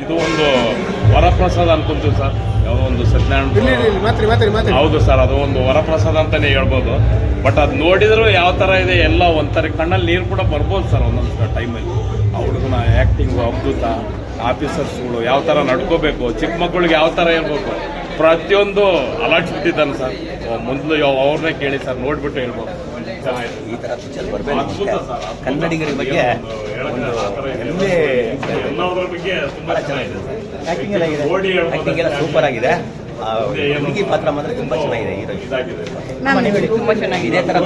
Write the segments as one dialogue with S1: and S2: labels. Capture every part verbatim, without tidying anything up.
S1: ಇದು ಒಂದು ವರಪ್ರಸಾದ ಅನ್ಕೊಂತೀವಿ ಸರ್. ಯಾವುದೋ ಒಂದು ಸತ್ಯನಾರಾಯಣ ಹೌದು ಸರ್, ಅದು ಒಂದು ವರಪ್ರಸಾದ ಅಂತಲೇ ಹೇಳ್ಬೋದು. ಬಟ್ ಅದು ನೋಡಿದ್ರು ಯಾವ ಥರ ಇದೆ ಎಲ್ಲ ಒಂಥರ ಕಣ್ಣಲ್ಲಿ ನೀರು ಕೂಡ ಬರ್ಬೋದು ಸರ್ ಒಂದೊಂದು ಟೈಮಲ್ಲಿ. ಆ ಹುಡುಗನ ಆ್ಯಕ್ಟಿಂಗು ಅದ್ಭುತ, ಆಫೀಸರ್ಸ್ಗಳು ಯಾವ ಥರ ನಡ್ಕೋಬೇಕು, ಚಿಕ್ಕ ಮಕ್ಕಳಿಗೆ ಯಾವ ಥರ ಇರಬೇಕು, ಪ್ರತಿಯೊಂದು ಅಲರ್ಟ್ಸ್ಬಿಟ್ಟಿದ್ದಾನೆ ಸರ್. ಮೊದಲು ಅವ್ರನ್ನೇ ಕೇಳಿ ಸರ್, ನೋಡಿಬಿಟ್ಟು ಹೇಳ್ಬೋದು.
S2: ಈ ಥರ ಪಿಕ್ಚರ್ ಬರಬೇಕು. ಕನ್ನಡಿಗರ ಬಗ್ಗೆ ಒಂದು ಹೆಮ್ಮೆ. ಭಾಳ ಚೆನ್ನಾಗಿದೆ ಸರ್. ಆ್ಯಕ್ಟಿಂಗ್ ಎಲ್ಲ ಇದೆ, ಆ್ಯಕ್ಟಿಂಗ್ ಎಲ್ಲ ಸೂಪರ್ ಆಗಿದೆ. ಹುಡುಗಿ ಪಾತ್ರ ಮಾತ್ರ ತುಂಬ ಚೆನ್ನಾಗಿದೆ. ಹೀರೋ
S3: ತುಂಬ ಚೆನ್ನಾಗಿದೆ.
S2: ಇದೇ ಥರ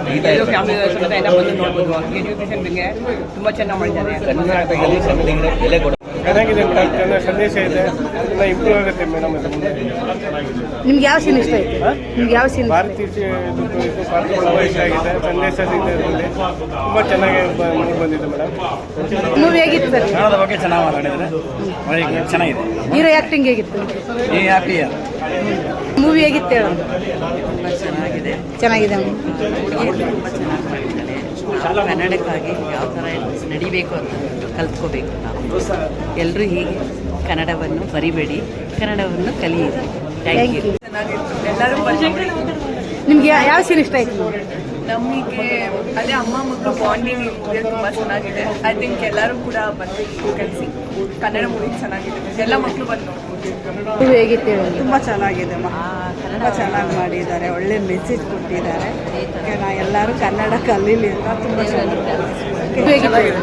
S3: ಫ್ಯಾಮಿಲಿ ನೋಡ್ಬೋದು. ಎಜುಕೇಷನ್ ಬಗ್ಗೆ ತುಂಬ ಚೆನ್ನಾಗಿ ಮಾಡಿದ್ದಾರೆ.
S2: ಕರ್ನಾಟಕದಲ್ಲಿ ಕನ್ನಡಿಗರ ಬೆಲೆ ಕೊಡ
S4: ಚೆನ್ನಾಗಿದೆ ಮೇಡಮ್. ಚೆನ್ನಾಗಿ ಸಂದೇಶ ಇದೆ, ಎಲ್ಲ ಇಂಪ್ರೂವ್ ಆಗುತ್ತೆ ಮೇಡಮ್.
S5: ನಿಮ್ಗೆ ಯಾವ ಸೀನ್ ಇಷ್ಟ ಆಯ್ತು? ನಿಮ್ಗೆ ಯಾವ ಸೀನ್?
S4: ಭಾರತೀಯ ಪಾತ್ರಗಳು ಇಷ್ಟ ಆಗಿದೆ, ಸಂದೇಶ ಇದೆ ಇದರಲ್ಲಿ. ತುಂಬ ಚೆನ್ನಾಗಿ ಮೂಡಿ ಬಂದಿದೆ ಮೇಡಮ್.
S5: ಮೂವಿ ಹೇಗಿತ್ತು ಸರ್?
S2: ಕನ್ನಡದ ಬಗ್ಗೆ ಚೆನ್ನಾಗಿ ಮಾತಾಡಿದರೆ ಚೆನ್ನಾಗಿದೆ.
S5: ಹೀರೋ ಆ್ಯಕ್ಟಿಂಗ್ ಹೇಗಿತ್ತು?
S2: ಈ ಹ್ಯಾಪಿ
S5: ಮೂವಿ ಹೇಗಿತ್ತು ಹೇಳು?
S3: ಚೆನ್ನಾಗಿದೆ.
S5: ಚೆನ್ನಾಗಿದೆ.
S3: ಹುಡುಗಿ ತುಂಬ ಚೆನ್ನಾಗಿ ಮಾಡಿದ್ದಾಳೆ. ನಾವು ಕನ್ನಡಕ್ಕಾಗಿ ಯಾವ ಥರ ನಡಿಬೇಕು ಅಂತ ಕಲ್ತ್ಕೋಬೇಕು. ನಾವು ಎಲ್ಲರೂ ಹೀಗೆ ಕನ್ನಡವನ್ನು ಬರಿಬೇಡಿ, ಕನ್ನಡವನ್ನು ಕಲಿಯಿರಿ. Thank you.
S6: ಎಲ್ಲರೂ
S5: ನಿಮ್ಗೆ ಯಾವ ಸೀನ್ ಇಷ್ಟ ಆಯ್ತು?
S6: ನಮಗೆ ಅದೇ ಅಮ್ಮ ಮಕ್ಕಳು ಬಾಂಡಿಂಗ್ ತುಂಬ ಚೆನ್ನಾಗಿದೆ. ಐ ಥಿಂಕ್ ಎಲ್ಲರೂ ಕೂಡ ಬಂದು ಕಲಿಸಿ ಕನ್ನಡ ಮೂವಿ ಚೆನ್ನಾಗಿದೆ. ಎಲ್ಲ ಮಕ್ಕಳು ಬಂದು ನೋಡ್ಬೋದು.
S5: ಮೂವಿ ಹೇಗಿತ್ತು ಹೇಳು?
S7: ತುಂಬ ಚೆನ್ನಾಗಿದೆ. ತುಂಬ ಚೆನ್ನಾಗಿ ಮಾಡಿದ್ದಾರೆ, ಒಳ್ಳೆ ಮೆಸೇಜ್ ಕೊಟ್ಟಿದ್ದಾರೆ. ನಾ ಎಲ್ಲರೂ ಕನ್ನಡ ಕಲೀಲಿ ಅಂತ ತುಂಬ ಚೆನ್ನಾಗಿದೆ.
S5: ಮೂವಿ ಹೇಗಿತ್ತು ಹೇಳು?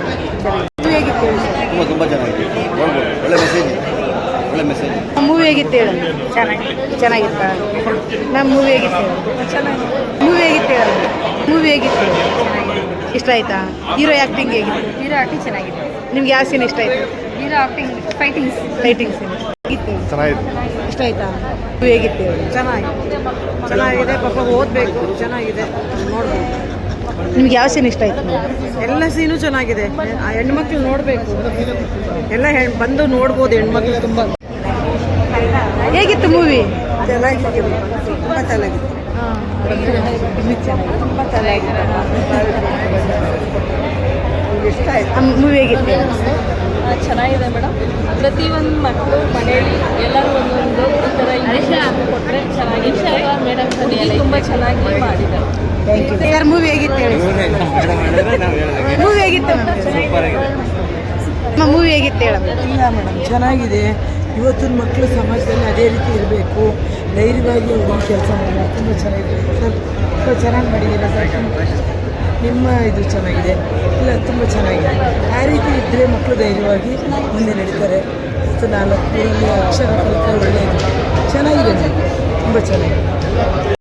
S2: ತುಂಬ ತುಂಬ ಚೆನ್ನಾಗಿದೆ. ಒಳ್ಳೆ ಮೆಸೇಜ್, ಒಳ್ಳೆ ಮೆಸೇಜ್.
S5: ಮೂವಿ ಹೇಗಿತ್ತು ಹೇಳು? ಚೆನ್ನಾಗಿತ್ತು. ಚೆನ್ನಾಗಿತ್ತ? ನಮ್ಮ ಮೂವಿ ಹೇಗಿತ್ತು ಹೇಳು?
S7: ಚೆನ್ನಾಗಿದೆ.
S5: ಮೂವಿ ಹೇಗಿತ್ತು ಹೇಳು? ಮೂವಿ ಹೇಗಿತ್ತು? ಇಷ್ಟ ಆಯ್ತಾ? ಹೀರೋ ಆ್ಯಕ್ಟಿಂಗ್ ಹೇಗಿತ್ತು?
S7: ಹೀರೋ ಆ್ಯಕ್ಟಿಂಗ್ ಚೆನ್ನಾಗಿದೆ.
S5: ನಿಮ್ಗೆ ಯಾವ ಸೀನ್ ಇಷ್ಟ ಆಯ್ತು?
S7: Hero acting fightings
S5: fighting scene ಹೇಗಿತ್ತು?
S4: ಚೆನ್ನಾಗಿದೆ.
S5: ಇಷ್ಟ ಆಯ್ತಾ? ಮೂವಿ ಹೇಗಿತ್ತು ಹೇಳು?
S7: ಚೆನ್ನಾಗಿದೆ. ಚೆನ್ನಾಗಿದೆ. ಪಾಪ ಓದಬೇಕು. ಚೆನ್ನಾಗಿದೆ, ನೋಡ್ಬೋದು.
S5: ನಿಮ್ಗೆ ಯಾವ ಸೀನ್ ಇಷ್ಟ ಆಯ್ತು?
S7: ಎಲ್ಲ ಸೀನು ಚೆನ್ನಾಗಿದೆ. ಆ ಹೆಣ್ಮಕ್ಳು ನೋಡಬೇಕು. ಎಲ್ಲ ಹೆಣ್ ಬಂದು ನೋಡ್ಬೋದು ಹೆಣ್ಮಕ್ಳು. ತುಂಬ
S5: ಹೇಗಿತ್ತು ಮೂವಿ?
S7: ಚೆನ್ನಾಗಿದೆ. ತುಂಬ ಚೆನ್ನಾಗಿದೆ. ತುಂಬ ಚೆನ್ನಾಗಿದೆ. ಇಷ್ಟ ಆಯ್ತು.
S5: ಮೂವಿ ಹೇಗಿತ್ತು?
S8: ಚೆನ್ನಾಗಿದೆ ಮೇಡಮ್. ಪ್ರತಿಯೊಂದು ಮಕ್ಕಳು ಮನೆಯಲ್ಲಿ ಎಲ್ಲರೂ ಒಂದೊಂದು ಈ ಥರ ಇಂಗ್ಲೀಷ್ ಕೊಟ್ಟರೆ ಚೆನ್ನಾಗಿದೆ. ಮೇಡಮ್ ತುಂಬ ಚೆನ್ನಾಗಿ ಮಾಡಿದ್ದಾರೆ.
S5: Thank you sir. ಮೂವಿ ಹೇಗಿತ್ತು ಹೇಳಿ? ಮೂವಿ ಹೇಗಿತ್ತು? ನಮ್ಮ ಮೂವಿ ಹೇಗಿತ್ತು ಹೇಳ?
S7: ಇಲ್ಲ ಮೇಡಮ್, ಚೆನ್ನಾಗಿದೆ. ಇವತ್ತಿನ ಮಕ್ಕಳು ಸಮಾಜದಲ್ಲಿ ಅದೇ ರೀತಿ ಇರಬೇಕು, ಧೈರ್ಯವಾಗಿ ಹುಡುಗಿ ಕೆಲಸ ಮಾಡಬೇಕು. ತುಂಬ ಚೆನ್ನಾಗಿದೆ ಸರ್. ತುಂಬ ಚೆನ್ನಾಗಿ ಮಾಡಿದ್ದೀರಾ ಸರ್. ನಿಮ್ಮ ಇದು ಚೆನ್ನಾಗಿದೆ. ಇಲ್ಲ, ತುಂಬ ಚೆನ್ನಾಗಿದೆ. ಆ ರೀತಿ ಇದ್ದರೆ ಮಕ್ಕಳು ಧೈರ್ಯವಾಗಿ ಮುಂದೆ ನಡೀತಾರೆ. ಮತ್ತು ನಾಲ್ಕು ಊರಲ್ಲಿ ಅಕ್ಷರ ಕಲಿಕೆ ಒಳ್ಳೆಯದು. ಚೆನ್ನಾಗಿದೆ, ತುಂಬ ಚೆನ್ನಾಗಿದೆ.